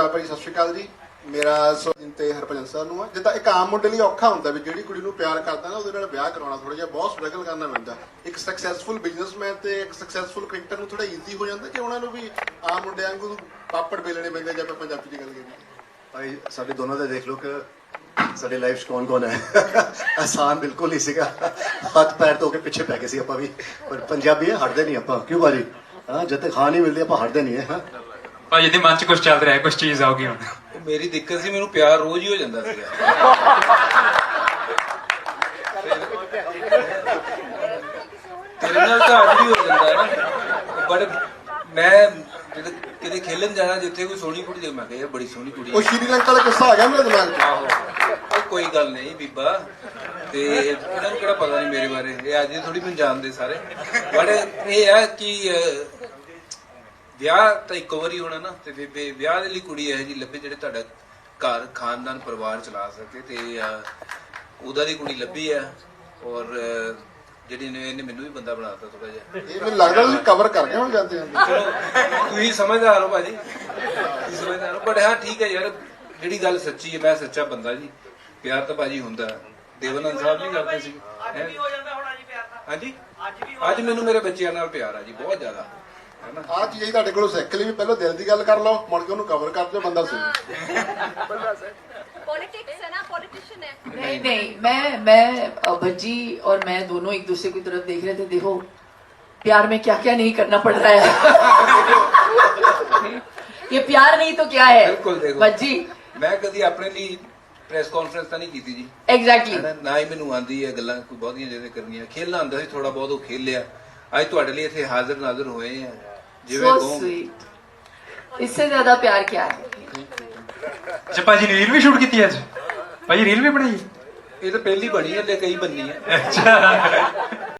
ਨਮਸਕਾਰ ਭਾਈ, ਸਤਿ ਸ਼੍ਰੀ ਅਕਾਲ ਜੀ। ਮੇਰਾ ਸੋਨ ਤੇ ਹਰਭਜਨ ਸਰ ਨੂੰ ਆ। ਜਿੱਦਾਂ ਇੱਕ ਆਮ ਮੁੰਡੇ ਲਈ ਔਖਾ ਹੁੰਦਾ ਵੀ ਜਿਹੜੀ ਕੁੜੀ ਨੂੰ ਪਿਆਰ ਕਰਦਾ ਨਾ ਉਹਦੇ ਨਾਲ ਵਿਆਹ ਕਰਾਉਣਾ ਥੋੜਾ ਜਿਹਾ ਬਹੁਤ ਸਟਰਗਲ ਕਰਨਾ ਪੈਂਦਾ। ਇੱਕ ਸਕਸੈਸਫੁਲ ਬਿਜ਼ਨਸਮੈਨ ਤੇ ਇੱਕ ਸਕਸੈਸਫੁਲ ਕ੍ਰਿਕਟਰ ਨੂੰ ਥੋੜਾ ਈਜ਼ੀ ਹੋ ਜਾਂਦਾ ਕਿ ਉਹਨਾਂ ਨੂੰ ਵੀ ਆਮ ਮੁੰਡਿਆਂ ਵਾਂਗੂ ਪਾਪੜ ਵੇਲਣੇ ਪੈਂਦੇ ਜੇ ਆਪਾਂ ਪੰਜਾਬੀ 'ਚ ਗੱਲ ਕਰੀਏ। ਭਾਈ ਸਾਡੇ ਦੋਨੋਂ ਦਾ ਦੇਖ ਲਓ ਕਿ ਸਾਡੀ ਲਾਈਫ 'ਚ ਕੌਣ ਕੌਣ ਹੈ। ਆਸਾਨ ਬਿਲਕੁਲ ਹੀ ਸੀਗਾ, ਹੱਥ ਪੈਰ ਧੋ ਕੇ ਪਿੱਛੇ ਪੈ ਗਏ ਸੀ ਆਪਾਂ ਵੀ, ਪਰ ਪੰਜਾਬੀ ਹੈ ਹਟਦੇ ਨਹੀਂ ਆਪਾਂ। ਕਿਉਂ ਭਾਜੀ? ਹਾਂ, ਜਦ ਤੱਕ ਹਾਂ ਨਹੀਂ ਮਿਲਦੀ ਆਪਾਂ ਹਟਦੇ ਨਹੀਂ ਹੈ। ਭਾਜੀ ਦੇ ਮਨ 'ਚ ਕੁਝ ਚੱਲ ਰਿਹਾ ਹੈ, ਕੁਝ ਚੀਜ਼ ਆਉਗੀ ਹੁਣ। ਮੇਰੀ ਦਿੱਕਤ ਸੀ, ਮੈਨੂੰ ਪਿਆਰ ਰੋਜ਼ ਹੀ ਹੋ ਜਾਂਦਾ ਸੀਗਾ। ਤੇਰੇ ਨਾਲ ਤਾਂ ਅੱਜ ਵੀ ਹੋ ਜਾਂਦਾ ਹੈ ਨਾ, ਬਟ ਮੈਂ ਜਦੋਂ ਕਿਤੇ ਖੇਲਣ ਜਾਣਾ ਜਿੱਥੇ ਕੋਈ ਸੋਹਣੀ ਕੁੜੀ ਦੇ ਮੈਂ ਕਿਹਾ ਯਾਰ ਬੜੀ ਸੋਹਣੀ ਕੁੜੀ ਉਹ ਸ਼੍ਰੀਲੰਕਾ ਵਾਲਾ ਕਿੱਸਾ ਆ ਗਿਆ ਮੇਰੇ ਦਿਮਾਗ 'ਚ। ਆਹੋ, ਉਹ ਕੋਈ ਗੱਲ ਨਹੀਂ ਬੀਬਾ, ਤੇ ਇਹਨਾਂ ਨੂੰ ਕਿਹੜਾ ਪਤਾ ਨਹੀਂ ਮੇਰੇ ਬਾਰੇ, ਇਹ ਅੱਜ ਥੋੜੀ ਮੈਨੂੰ ਜਾਣਦੇ ਸਾਰੇ। ਬਟ ਇਹ ਹੈ ਕਿ ਵਿਆਹ ਤਾਂ ਇੱਕ ਵਾਰੀ ਹੋਣਾ ਨਾ, ਤੇ ਫਿਰ ਵਿਆਹ ਦੇ ਲਈ ਕੁੜੀ ਇਹੋ ਜਿਹੀ ਲੱਭੇ ਜਿਹੜੇ ਤੁਹਾਡਾ ਘਰ ਖਾਨਦਾਨ ਪਰਿਵਾਰ ਚਲਾ ਸਕੇ, ਤੇ ਉਹਦਾ ਦੀ ਕੁੜੀ ਲੱਭੀ ਆ। ਔਰ ਜਿਹੜੀ ਇਹਨੇ ਮੈਨੂੰ ਵੀ ਬੰਦਾ ਬਣਾਤਾ ਥੋੜਾ ਜਿਹਾ। ਇਹ ਮੈਨੂੰ ਲੱਗਦਾ ਤੁਸੀਂ ਕਵਰ ਕਰ ਗਏ ਹੁਣ ਜਾਂਦੇ ਜਾਂਦੇ। ਚਲੋ ਤੁਸੀਂ ਸਮਝਦਾਰ ਹੋ ਭਾਜੀ, ਤੁਸੀਂ ਸਮਝਦਾਰ ਹੋ, ਬਟ ਹਾਂ ਠੀਕ ਹੈ ਯਾਰ, ਜਿਹੜੀ ਗੱਲ ਸੱਚੀ ਹੈ, ਮੈਂ ਸੱਚਾ ਬੰਦਾ ਜੀ। ਪਿਆਰ ਤਾਂ ਭਾਜੀ ਹੁੰਦਾ, ਦੇਵਾਨੰਦ ਸਾਹਿਬ ਨਹੀਂ ਕਰਦੇ ਸੀ। ਹਾਂਜੀ, ਅੱਜ ਮੈਨੂੰ ਮੇਰੇ ਬੱਚਿਆਂ ਨਾਲ ਪਿਆਰ ਆ ਜੀ, ਬਹੁਤ ਜ਼ਿਆਦਾ। ਆਹ ਚੀਜ਼ ਤੁਹਾਡੇ ਕੋਲੋਂ ਸਿੱਖ ਲਈ ਵੀ ਪਹਿਲਾਂ ਦਿਲ ਦੀ ਗੱਲ ਕਰ ਲਓ, ਮੁੜ ਕੇ ਉਹਨੂੰ ਕਵਰ ਕਰ ਦਿਓ, ਬੰਦਾ ਸਹੀ। पॉलिटिक्स है ना, पॉलिटिशियन है। नहीं नहीं, मैं भज्जी और मैं दोनों एक दूसरे की तरफ देख रहे थे। देखो प्यार में क्या क्या नहीं करना पड़ रहा है। ये प्यार नहीं तो क्या है। बिल्कुल देखो भज्जी, मैं कभी अपने लिए ਪ੍ਰੈਸ ਕਾਨਫਰੰਸ ਤਾਂ ਨਹੀਂ ਕੀਤੀ ਜੀ। एग्जैक्टली ਨਾ ਹੀ ਮੈਨੂੰ ਆਂਦੀ ਹੈ ਗੱਲਾਂ ਕੋਈ ਬਹੁਤੀਆਂ ਜਿਹਦੇ ਕਰਨੀਆਂ। ਖੇਲਣਾ ਹੁੰਦਾ ਸੀ ਥੋੜਾ ਬਹੁਤ, ਉਹ ਖੇਲ ਲਿਆ। ਅੱਜ ਤੁਹਾਡੇ ਲਈ ਇੱਥੇ ਹਾਜ਼ਰ ਨਾਜ਼ਰ ਹੋਏ ਆ, ਜਿਵੇਂ सो ਕਹੋ। स्वीट, इससे ज्यादा प्यार क्या है। ਅੱਛਾ ਭਾਜੀ ਨੇ ਰੀਲ ਵੀ ਸ਼ੂਟ ਕੀਤੀ ਅੱਜ? ਭਾਜੀ ਰੀਲ ਵੀ ਬਣਾਈ? ਇਹ ਤਾਂ ਪਹਿਲੀ ਬਣੀ ਹੈ, ਤੇ ਕਈ ਬੰਨੀ ਹੈ। ਅੱਛਾ